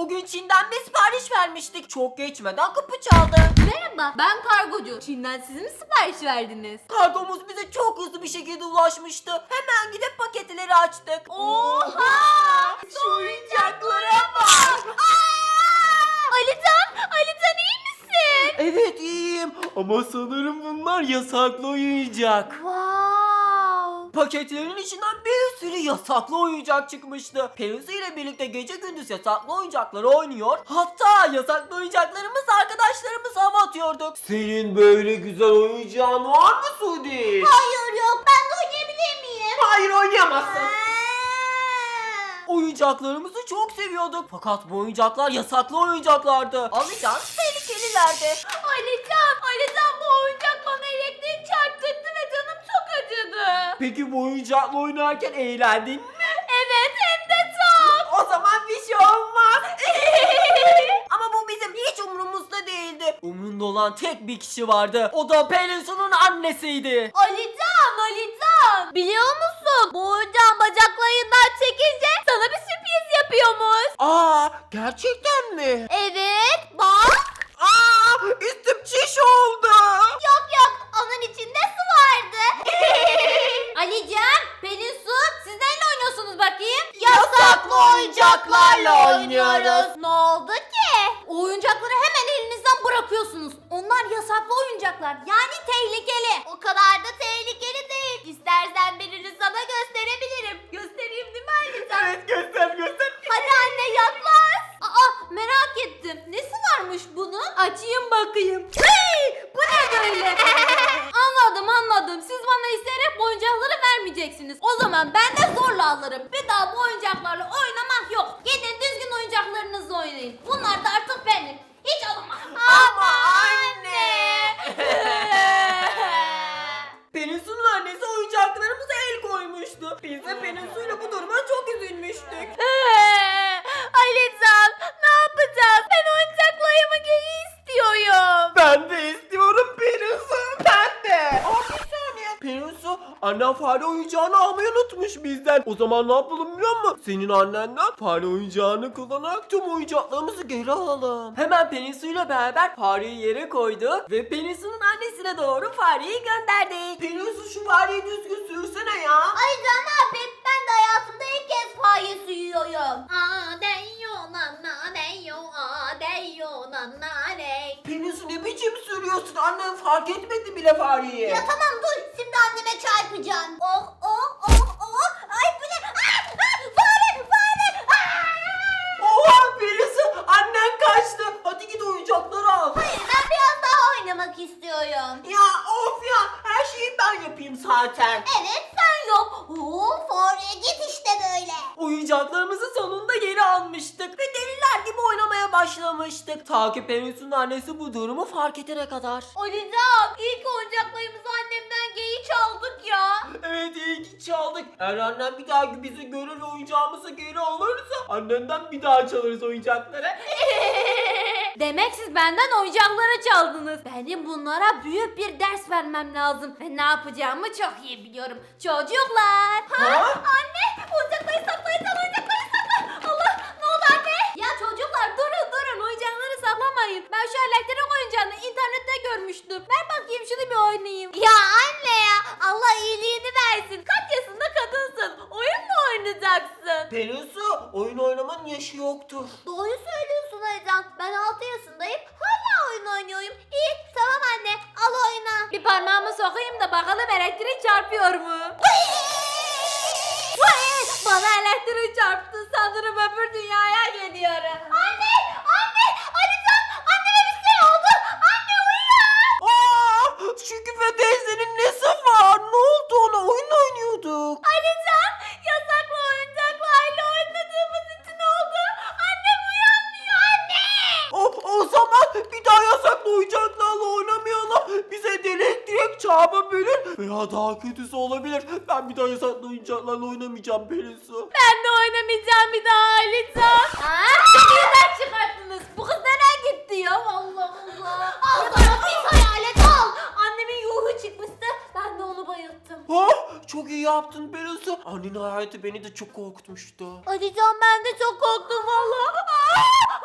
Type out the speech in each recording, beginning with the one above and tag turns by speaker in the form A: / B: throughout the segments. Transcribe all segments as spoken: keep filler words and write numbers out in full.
A: O gün Çin'den bir sipariş vermiştik. Çok geçmeden kapı çaldı.
B: Merhaba, ben kargocu. Çin'den siz mi sipariş verdiniz?
A: Kargomuz bize çok hızlı bir şekilde ulaşmıştı. Hemen gidip paketleri açtık.
B: Oha!
A: Şu oyuncaklara bak.
B: Alican, Alican iyi misin?
A: Evet iyiyim ama sanırım bunlar yasaklı oyuncak.
B: Wow!
A: Paketlerin içinden bir sürü yasaklı oyuncak çıkmıştı. Pelusi ile birlikte gece gündüz yasaklı oyuncakları oynuyor. Hatta yasaklı oyuncaklarımız arkadaşlarımız hava atıyorduk. Senin böyle güzel oyuncağın var mı Suudi?
B: Hayır yok, ben de oynayabilir miyim?
A: Hayır oynayamazsın. Oyuncaklarımızı çok seviyorduk. Fakat bu oyuncaklar yasaklı oyuncaklardı. Alacağın tehlikelilerdi.
B: Alican, Alican bu oyuncak bana elektrik çarptırdı ve canım çok acıdı.
A: Peki bu oyuncakla oynarken eğlendin mi?
B: Evet, hem de çok.
A: O zaman bir şey olmaz. Ama bu bizim hiç umurumuzda değildi. Umrunda olan tek bir kişi vardı. O da Pelinsu'nun annesiydi.
B: Alican, Alican. Biliyor musun? Bu oyuncağın bacaklarından çekince sana bir sürpriz yapıyormuş.
A: Aa, gerçekten mi?
B: Evet, bak.
A: Aa, üstüm çiş oldu.
B: Yok yok, onun içinde su vardı. Alican, Pelin Su, siz neyle oynuyorsunuz bakayım?
A: Yasaklı oyuncaklarla oynuyoruz.
B: Ne oldu ki? O oyuncakları hemen elinizden bırakıyorsunuz. Onlar yasaklı oyuncaklar, yani tehlikeli. O kadar da tehlikeli değil. İstersen birini sana gösterebilirim. Göstereyim değil mi Alican?
A: Evet göster göster.
B: Hadi anne yaklaş. Aa, merak ettim. Nesi varmış bunun? Açayım bakayım. Hey, bu ne böyle? Anladım anladım. Siz bana isteyerek bu oyuncakları vermeyeceksiniz. O zaman ben de zorla alırım. Bir daha bu oyuncaklarla oynamak yok. Gidin düzgün oyuncaklarınızla oynayın. Bunlar da artık benim. Hiç alamam.
A: Ama anne. Pelinsu'nun annesi oyuncaklarımıza el koymuştu. Biz de Pelinsu'yla bu duruma çok üzülmüştük.
B: Alican, ne yapacağız? Ben oyuncaklarımı geri istiyorum.
A: Ben de istiyorum Pelinsu. Ben de. Aa, bir saniye. Pelinsu annen fare oyuncağını almayı unutmuş bizden. O zaman ne yapalım biliyor musun? Senin annenden fare oyuncağını kullanarak tüm oyuncaklarımızı geri alalım. Hemen Pelinsu ile beraber fareyi yere koydu ve Pelinsu'nun annesine doğru fareyi gönderdik. Pelinsu şu fareyi düzgün sürsene ya.
B: Alican ne yapayım? Ben de hayatımda ilk kez fare suyuyorum. Aa değiyor nana değiyor aa değiyor nana değiyor.
A: Pelinsu ne biçim sürüyorsun? Annen fark etmedi bile fareyi.
B: Ya tamam dur, şimdi anneme çarpacağım. Oh oh oh oh. Ay bu ne? Ah, ah, fare fare. Ah!
A: Oha Pelinsu annen kaçtı. Hadi git oyuncakları al.
B: Hayır ben biraz daha oynamak istiyorum.
A: Ya of ya her şeyi ben yapayım zaten.
B: Evet sen yok. Oo fare git işte böyle.
A: Oyuncaklarımızı sonunda geri almıştık ve deliler gibi oynamaya başlamıştık. Ta ki Pelinsu'nun annesi bu durumu fark edene kadar.
B: Alican ilk oyuncaklarımızı annemden geri çaldık ya.
A: Evet iyi ki çaldık. Eğer annem bir daha bizi görür ve oyuncağımızı geri alırsa annenden bir daha çalarız oyuncakları.
B: Demek siz benden oyuncakları çaldınız. Benim bunlara büyük bir ders vermem lazım. Ve ne yapacağımı çok iyi biliyorum. Çocuklar.
A: Ha?
B: Anne oyuncakları saklayacağım, oyuncakları sakla. Allah ne oldu anne? Ya çocuklar durun durun, oyuncakları saklamayın. Ben şu elektrik oyuncağını internette görmüştüm. Ver bakayım şunu bir oynayayım. Ya anne ya Allah iyiliğini versin. Kaç yaşında kadınsın? Oyun mu oynayacaksın?
A: Pelinsu oyun oynamanın yaşı yoktur.
B: Doğru söylüyorsun Aycan. Ben altı yaşındayım. Hala oyun oynuyorum. İyi tamam anne al oyna. Bir parmağımı sokayım da bakalım elektrik çarpıyor mu? Bana elektrik çarptı. Sanırım öbür dünyaya gidiyorum. Anne! Anne! Alican! Anneme bir şey oldu. Anne uyan!
A: Aa, Şükrü teyzenin nesi var? Ne oldu ona? Oyun oynuyorduk.
B: Alican! Yasaklı oyuncaklarla oynadığımız için oldu. Annem uyanmıyor anne!
A: O, o zaman bir daha yasaklı oyuncaklarla oynamayalım. Bize de elektrik çarpabilir veya daha kötüsü olabilir. Ben bir daha yasaklı oyuncaklarla oynamayacağım Pelinsu.
B: Ben de oynamayacağım bir daha Alican. Haa? Beni neden çıkarttınız? Bu kız nereye gitti ya? Allah Allah. Al sana bir hayalet al. Annemin ruhu çıkmıştı. Ben de onu bayılttım.
A: Ha? Çok iyi yaptın Pelinsu. Annenin hayatı beni de çok korkutmuştu.
B: Alican ben de çok korktum valla. Aa!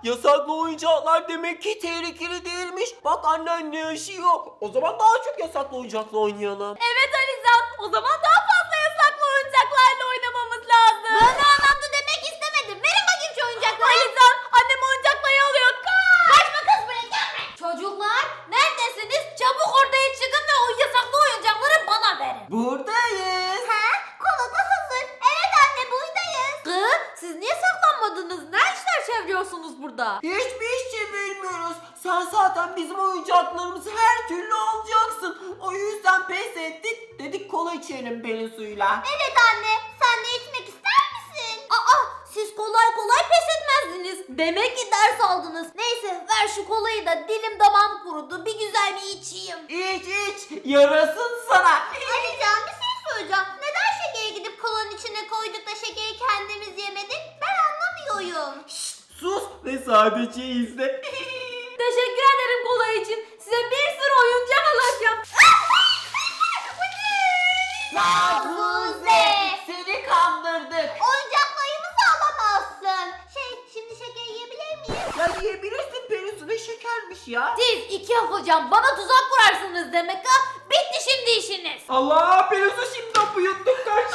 A: Yasaklı oyuncaklar demek ki tehlikeli değilmiş. Bak annen ne yaşıyor. O zaman daha çok yasaklı oyuncakla oynayalım.
B: Evet Alizan, o zaman daha fazla yasaklı oyuncaklarla oynamamız lazım. Ben o anlamda demek istemedim. Verin bakayım şu oyuncakları. Alizan, annem oyuncakları alıyor. Kaç! Kaçma kız buraya gelme. Çocuklar, neredesiniz? Çabuk ortaya çıkın ve o yasaklı oyuncakları bana verin.
A: Buradayız.
B: He? Kola da hazır. Evet anne, buradayız. Kız, siz niye saklanmadınız? Ne işler çeviriyorsunuz burada?
A: Hiçbir iş çevirmiyoruz. Sen zaten bizim oyuncaklarımızı her türlü alacaksın. O yüzden pes ettik. Dedik kola içelim Pelin suyla.
B: Evet anne, sen de içmek ister misin? Aa, siz kolay kolay pes etmezdiniz. Demek ki ders aldınız. Neyse, ver şu kolayı da dilim damağım kurudu. Bir güzel bir içeyim.
A: İç iç. Yarasın sana.
B: Alican, bir şey soracağım. Neden şekeri gidip kolanın içine koyduk da şekeri kendimiz yemedik? Ben anlamıyorum.
A: Şşt, sus ve sadece izle.
B: Teşekkür ederim kola için. Size bir sürü oyuncak alacağım. Hafuze!
A: Seni kandırdık.
B: Oyuncaklarımızı alamazsın. Şey, şimdi şeker yiyebilir miyim?
A: Ya yiyebilirsin Pelin su, ne şekermiş ya.
B: Siz iki hocam bana tuzak kurarsınız demek ha. Bitti şimdi işiniz.
A: Allah, Pelin su şimdi hapı yuttuk, kaç.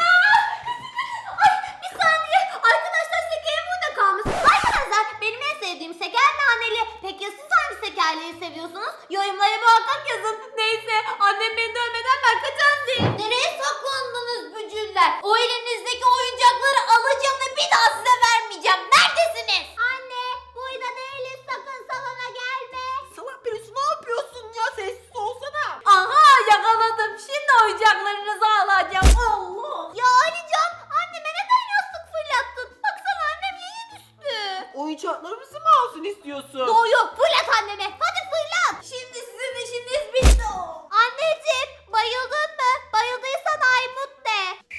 B: Ay bir saniye. Arkadaşlar şekerim burada kalmış. Arkadaşlar benim en sevdiğim şeker naneli. Peki ya siz hangi şekerleri seviyorsunuz? Yorumlara muhakkak yazın. Neyse annem beni dövmeden ben kaçacağım. Nereye saklandınız bücürler? O elinizdeki oyuncakları alacağım ve bir daha size vermeyeceğim. Neredesiniz? Anne burada değiliz, sakın salona gelme.
A: Salak Pelin su, ne yapıyorsun ya, sessiz olsana.
B: Aha yakaladım. Şimdi oyuncaklarınızı alacağım. Allah. Ya Alican, anneme neden yastık fırlattın? Baksana annem yere düştü.
A: Oyuncaklarımızı mı alsın istiyorsun?
B: Doğru yok, fırlat anneme. Hadi fırlat. Şimdi sizin işiniz bitti. Anneciğim, bayıldın mı? Bayıldıysan Aymut de.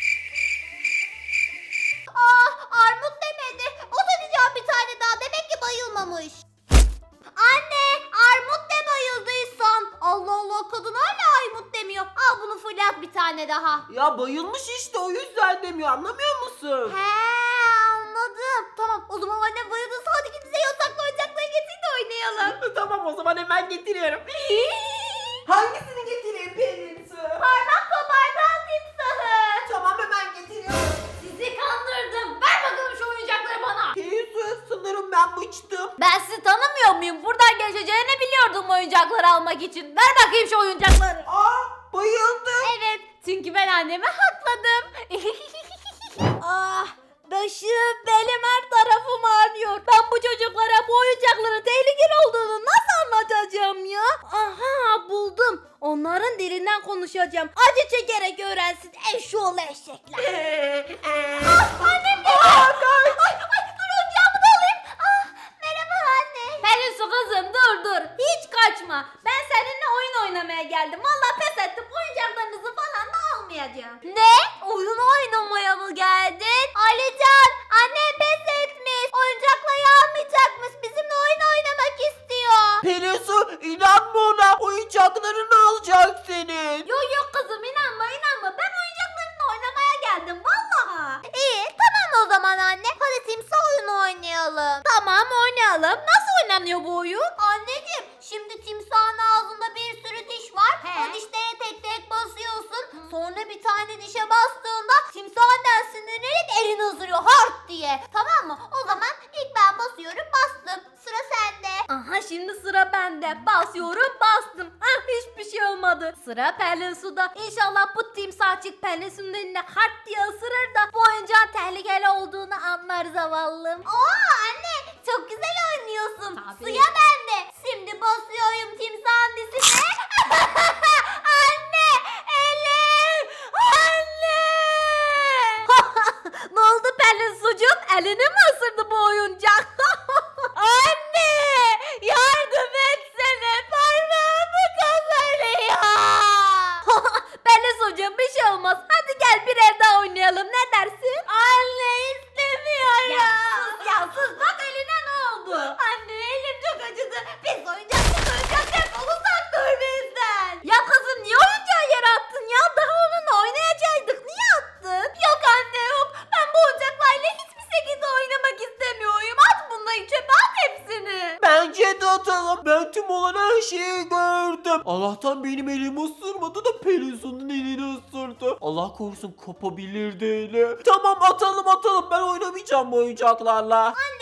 B: Ah, Armut demedi. O da diyeceğim bir tane daha. Demek ki bayılmamış. Anne, Armut de bayıldıysan. Allah Allah, kadın hala Aymut demiyor. Al bunu fırlat bir tane daha.
A: Ya bayılmış işte, o yüzden demiyor, anlamıyor musun?
B: He, anladım. Tamam, o zaman annem bayıldıysa hadi gidin size yasaklı oyuncakları getirin de oynayalım.
A: Tamam, o zaman hemen getiriyorum. Hangisini getireyim Pelin su?
B: Parmak kopartan timsahı.
A: Tamam, hemen getiriyorum.
B: Sizi kandırdım. Ver bakalım şu oyuncakları bana.
A: Pelin su, sanırım ben bıçtım.
B: Ben sizi tanımıyor muyum? Buradan geçeceğini biliyordum oyuncakları almak için. Ver bakayım şu oyuncakları.
A: Aa, bayıldı.
B: Evet, çünkü ben annemi hakladım. Ah, başım, belim, her tarafım ağrıyor. Ben bu çocuklara bu oyuncakların tehlikeli olduğunu nasıl anlatacağım ya? Aha, buldum. Onların dilinden konuşacağım. Acı çekerek öğrensin eşşoğlu eşekler. Ah, annem geldi. Ay, ay, dur oyuncağımı da alayım. Ah, merhaba anne. Pelin su kızım, dur dur. Hiç kaçma. Ben seninle oyun oynamaya geldim. Vallahi pes ettim. Oyuncaklarınızı falan da almayacağım. Ne? Oyun oynamaya mı geldin? Alican, anne pes etmiş. Oyuncakları almayacakmış. Bizimle oyun oynamak istiyor.
A: Pelin su, inanma ona, oyuncaklarını alacak senin.
B: Yok yok kızım, inanma inanma. Ben oyuncaklarınla oynamaya geldim vallahi. İyi tamam o zaman anne. Hadi timsah oyunu oynayalım. Tamam oynayalım. Nasıl oynanıyor bu oyun? Anneciğim şimdi timsahın ağzında bir sürü diş var. O dişlere tek tek basıyorsun. Sonra bir tane dişe bastığında timsahından sinirlenip elini ısırıyor hart diye. Tamam mı? O zaman ilk ben basıyorum, bastım. Sıra sende. Aha şimdi sıra bende. Basıyorum, bastım. Ah hiçbir şey olmadı. Sıra Pelin Su'da. İnşallah bu timsahçık Pelin Su'nun eline hart diye ısırır da bu oyuncağın tehlikeli olduğunu anlar zavallım. Oo anne çok güzel oynuyorsun. Tabii. Suya bende. Şimdi basıyorum timsahın dizine. Anne elim. Anne. Ne oldu Pelin Su'cum? Elini mi ısırdı bu oyuncak? Anne! Yardım etsene! Parmağımı kazanıyor! Pelin Su'cum bir şey olmaz. Hadi gel bir el daha oynayalım. Ne dersin? Anne istemiyorum. Ya sus ya sus. Bak eline ne oldu?
A: atalım. Ben tüm olan her şeyi gördüm. Allah'tan benim elimi ısırmadı da Pelinsu'nun elini ısırdı. Allah korusun kopabilirdi eli. Tamam atalım atalım. Ben oynamayacağım bu oyuncaklarla.
B: Anne